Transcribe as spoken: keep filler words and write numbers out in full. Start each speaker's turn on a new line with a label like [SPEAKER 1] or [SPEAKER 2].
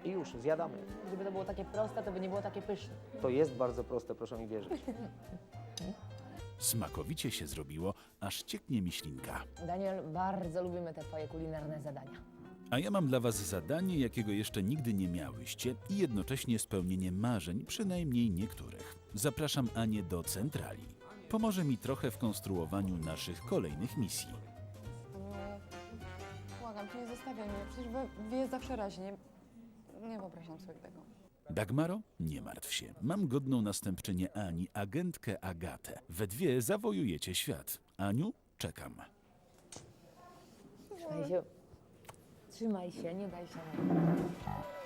[SPEAKER 1] i już, zjadamy.
[SPEAKER 2] Gdyby to było takie proste, to by nie było takie pyszne.
[SPEAKER 1] To jest bardzo proste, proszę mi wierzyć.
[SPEAKER 3] Smakowicie się zrobiło, aż cieknie mi ślinka.
[SPEAKER 2] Daniel, bardzo lubimy te twoje kulinarne zadania.
[SPEAKER 3] A ja mam dla was zadanie, jakiego jeszcze nigdy nie miałyście i jednocześnie spełnienie marzeń, przynajmniej niektórych. Zapraszam Anię do centrali. Pomoże mi trochę w konstruowaniu naszych kolejnych misji.
[SPEAKER 4] Błagam, cię nie zostawiaj mnie, przecież wy, wy jest zawsze raźnie. Nie wyobrażam sobie tego.
[SPEAKER 3] Dagmaro, nie martw się. Mam godną następczynię Ani, agentkę Agatę. We dwie zawojujecie świat. Aniu, czekam.
[SPEAKER 2] Trzymaj się. Trzymaj się, nie daj się.